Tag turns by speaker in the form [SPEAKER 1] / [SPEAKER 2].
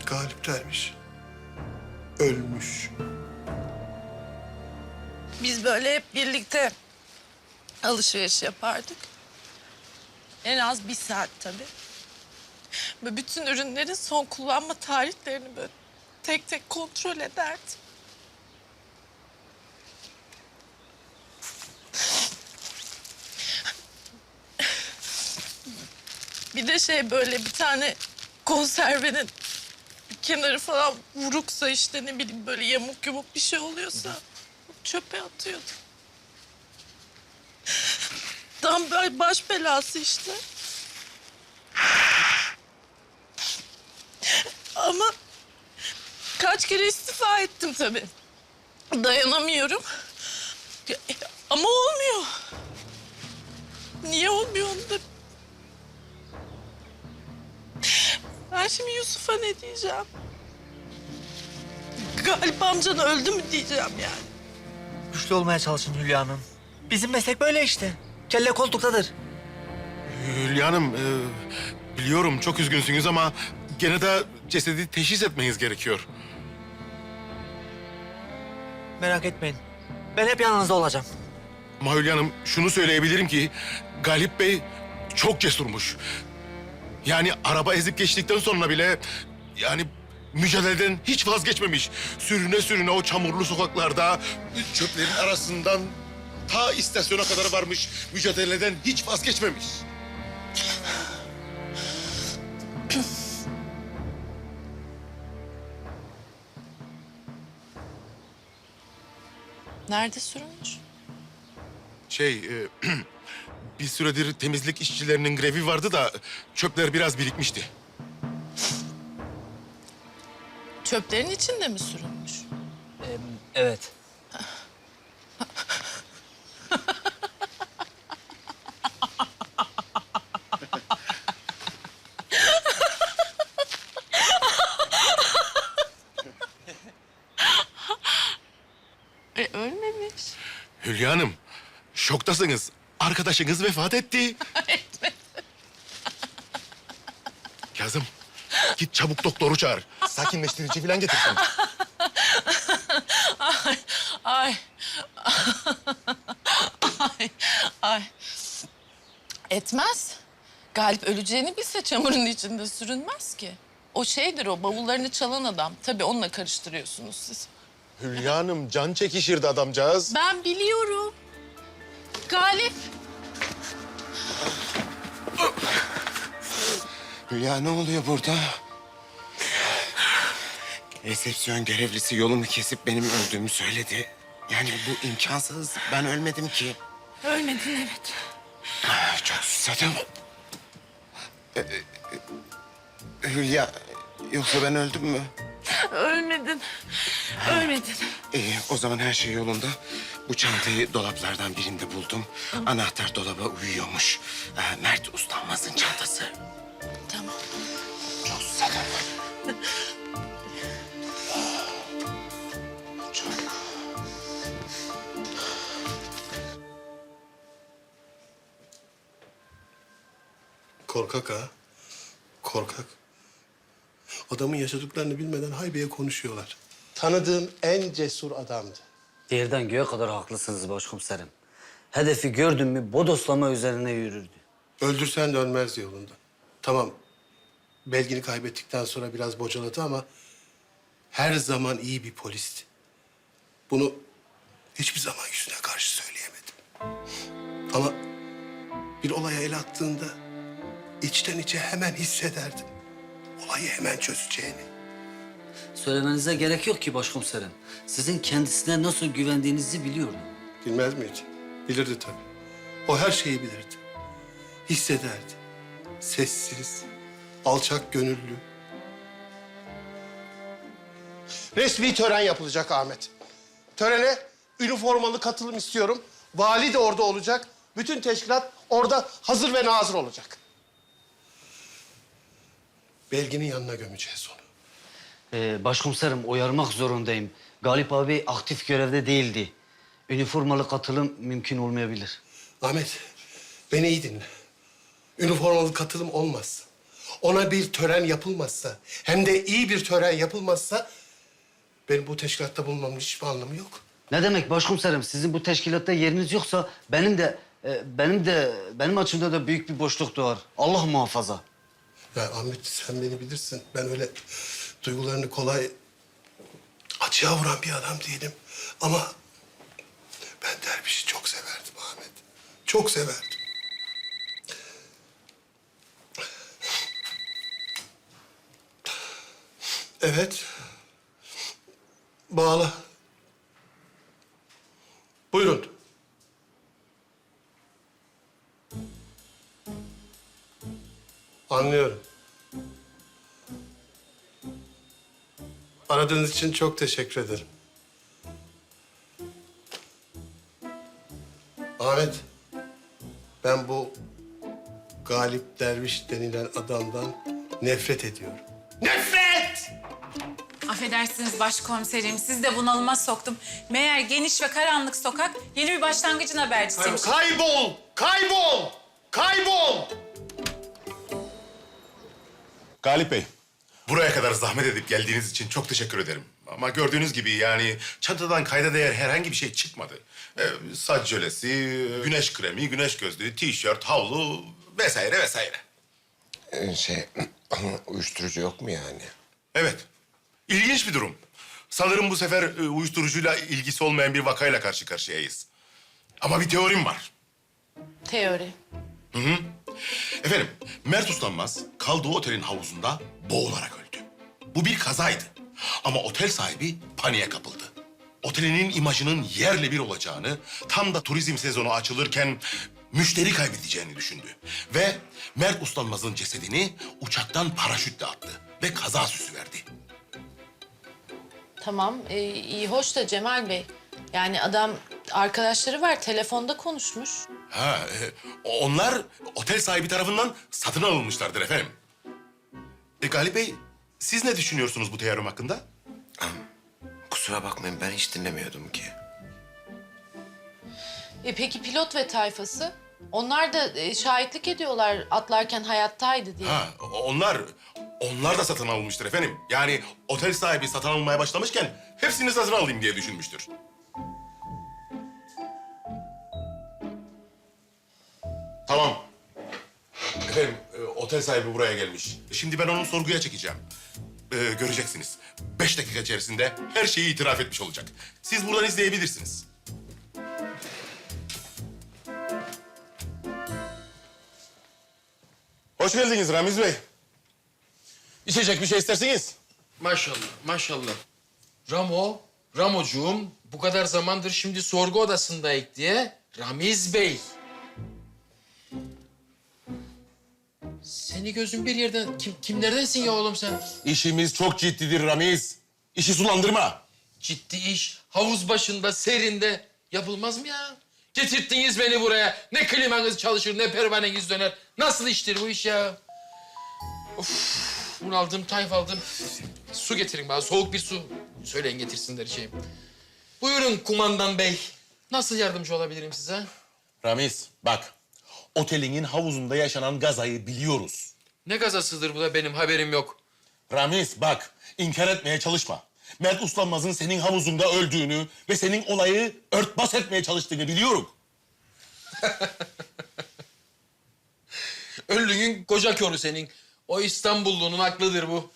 [SPEAKER 1] Galip dermiş. Ölmüş.
[SPEAKER 2] Biz böyle hep birlikte alışveriş yapardık. En az 1 saat tabii. Ve bütün ürünlerin son kullanma tarihlerini böyle tek tek kontrol ederdim. Bir de böyle bir tane konservenin kenarı falan vuruksa işte ne bileyim böyle yamuk yumuk bir şey oluyorsa çöpe atıyordu. Tam böyle baş belası işte. Ama kaç kere istifa ettim tabii. Dayanamıyorum. Ama olmuyor. Niye olmuyor onu da... Ben şimdi Yusuf'a ne diyeceğim? Galip amcan öldü mü diyeceğim yani.
[SPEAKER 3] Güçlü olmaya çalışın Hülya Hanım. Bizim meslek böyle işte. Kelle koltuktadır.
[SPEAKER 1] Hülya Hanım, biliyorum çok üzgünsünüz ama gene de cesedi teşhis etmeniz gerekiyor.
[SPEAKER 3] Merak etmeyin. Ben hep yanınızda olacağım.
[SPEAKER 1] Ama Hülya Hanım, şunu söyleyebilirim ki Galip Bey çok cesurmuş. Yani araba ezip geçtikten sonra bile yani mücadeleden hiç vazgeçmemiş. Sürüne sürüne o çamurlu sokaklarda çöplerin arasından ta istasyona kadar varmış. Mücadeleden hiç vazgeçmemiş.
[SPEAKER 2] Nerede sürünmüş?
[SPEAKER 1] Bir süredir temizlik işçilerinin grevi vardı da çöpler biraz birikmişti.
[SPEAKER 2] Çöplerin içinde mi sürünmüş?
[SPEAKER 3] Evet.
[SPEAKER 2] Ölmemiş.
[SPEAKER 1] Hülya Hanım, şoktasınız. Arkadaşınız vefat etti. Kazım, git çabuk doktoru çağır. Sakinleştirici falan getirsin.
[SPEAKER 2] Ay, ay. Ay, ay. Etmez. Galip öleceğini bilse çamurun içinde sürünmez ki. O o bavullarını çalan adam. Tabii onunla karıştırıyorsunuz siz.
[SPEAKER 1] Hülya Hanım, can çekişirdi adamcağız.
[SPEAKER 2] Ben biliyorum. Galip.
[SPEAKER 4] Hülya ne oluyor burada? Resepsiyon görevlisi yolumu kesip benim öldüğümü söyledi. Yani bu imkansız. Ben ölmedim ki.
[SPEAKER 2] Ölmedin evet.
[SPEAKER 4] Çok susadım. Hülya, yoksa ben öldüm mü?
[SPEAKER 2] Ölmedin. Ölmedin.
[SPEAKER 4] İyi, o zaman her şey yolunda. Bu çantayı dolaplardan birinde buldum. Anahtar dolaba uyuyormuş. Mert Ustanmaz'ın çantası.
[SPEAKER 2] Tamam.
[SPEAKER 4] Çok susadım. Çok.
[SPEAKER 1] Korkak ha. Korkak. Adamın yaşadıklarını bilmeden haybeye konuşuyorlar. Tanıdığım en cesur adamdı.
[SPEAKER 5] Yerden göğe kadar haklısınız başkomiserim. Hedefi gördün mü bodoslama üzerine yürürdü.
[SPEAKER 1] Öldürsen de ölmezdi yolunda. Tamam, belgini kaybettikten sonra biraz bocaladı ama her zaman iyi bir polisti. Bunu hiçbir zaman yüzüne karşı söyleyemedim. Ama bir olaya el attığında içten içe hemen hissederdim. Olayı hemen çözeceğini.
[SPEAKER 5] Söylemenize gerek yok ki başkomiserim. Sizin kendisine nasıl güvendiğinizi biliyorum.
[SPEAKER 1] Bilmez miydi? Bilirdi tabii. O her şeyi bilirdi. Hissederdi. Sessiz, alçak gönüllü. Resmi tören yapılacak Ahmet. Törene üniformalı katılım istiyorum. Vali de orada olacak. Bütün teşkilat orada hazır ve nazır olacak. Belginin yanına gömeceğiz onu.
[SPEAKER 5] Başkomiserim uyarmak zorundayım. Galip abi aktif görevde değildi. Üniformalı katılım mümkün olmayabilir.
[SPEAKER 1] Ahmet, beni iyi dinle. Üniformalı katılım olmaz. ona bir tören yapılmazsa, hem de iyi bir tören yapılmazsa benim bu teşkilatta bulunmamın hiçbir anlamı yok.
[SPEAKER 5] Ne demek başkomiserim? Sizin bu teşkilatta yeriniz yoksa benim açımda da büyük bir boşluk doğar. Allah muhafaza.
[SPEAKER 1] Ya Ahmet, sen beni bilirsin. Ben öyle duygularını kolay açığa vuran bir adam değilim. Ama ben Derviş'i çok severdim Ahmet. Çok severdim. Evet. Bağla. Buyurun. Anlıyorum. Aradığınız için çok teşekkür ederim. Ahmet, ben bu Galip Derviş denilen adamdan nefret ediyorum. Nefret!
[SPEAKER 6] Affedersiniz başkomiserim, siz de bunalıma soktum. Meğer geniş ve karanlık sokak yeni bir başlangıcın habercisiymiş.
[SPEAKER 1] Kaybol! Kaybol! Kaybol!
[SPEAKER 7] Galip Bey, buraya kadar zahmet edip geldiğiniz için çok teşekkür ederim. Ama gördüğünüz gibi yani çantadan kayda değer herhangi bir şey çıkmadı. Saç jölesi, güneş kremi, güneş gözlüğü, tişört, havlu vesaire vesaire.
[SPEAKER 4] Uyuşturucu yok mu yani?
[SPEAKER 7] Evet, ilginç bir durum. Sanırım bu sefer uyuşturucuyla ilgisi olmayan bir vakayla karşı karşıyayız. Ama bir teorim var.
[SPEAKER 2] Teori.
[SPEAKER 7] Efendim, Mert Uslanmaz kaldığı otelin havuzunda boğularak öldü. Bu bir kazaydı. Ama otel sahibi paniğe kapıldı. Otelinin imajının yerle bir olacağını, tam da turizm sezonu açılırken müşteri kaybedeceğini düşündü. Ve Mert Uslanmaz'ın cesedini uçaktan paraşütle attı ve kaza süsü verdi.
[SPEAKER 2] Tamam, iyi hoş da Cemal Bey. Yani adam arkadaşları var, telefonda konuşmuş.
[SPEAKER 7] Onlar otel sahibi tarafından satın alınmışlardır efendim. Galip Bey, siz ne düşünüyorsunuz bu teorim hakkında?
[SPEAKER 4] Kusura bakmayın, ben hiç dinlemiyordum ki.
[SPEAKER 2] Peki pilot ve tayfası? Onlar da şahitlik ediyorlar atlarken hayattaydı diye.
[SPEAKER 7] Onlar da satın alınmıştır efendim. Yani otel sahibi satın almaya başlamışken hepsini satın alayım diye düşünmüştür. Tamam. Efendim, otel sahibi buraya gelmiş. Şimdi ben onu sorguya çekeceğim. Göreceksiniz. 5 dakika içerisinde her şeyi itiraf etmiş olacak. Siz buradan izleyebilirsiniz. Hoş geldiniz Ramiz Bey. İçecek bir şey istersiniz?
[SPEAKER 8] Maşallah, maşallah. Ramocuğum bu kadar zamandır şimdi sorgu odasındayık diye Ramiz Bey. Seni gözün bir yerden... Kimlerdensin ya oğlum sen?
[SPEAKER 7] İşimiz çok ciddidir Ramiz. İşi sulandırma.
[SPEAKER 8] Ciddi iş, havuz başında, serinde yapılmaz mı ya? Getirttiniz beni buraya. Ne klimanız çalışır, ne pervaneniz döner. Nasıl iştir bu iş ya? Of, bunaldım, tayfaldım. Su getirin bana, soğuk bir su. Söyleyin getirsinler şeyim. Buyurun kumandan bey. Nasıl yardımcı olabilirim size?
[SPEAKER 7] Ramiz bak. Otelinin havuzunda yaşanan gazayı biliyoruz.
[SPEAKER 8] Ne gazasıdır bu da benim haberim yok.
[SPEAKER 7] Ramiz bak. İnkar etmeye çalışma. Mert Uslanmaz'ın senin havuzunda öldüğünü ve senin olayı örtbas etmeye çalıştığını biliyorum.
[SPEAKER 8] Öllüğün koca körü senin. O İstanbullu'nun aklıdır bu.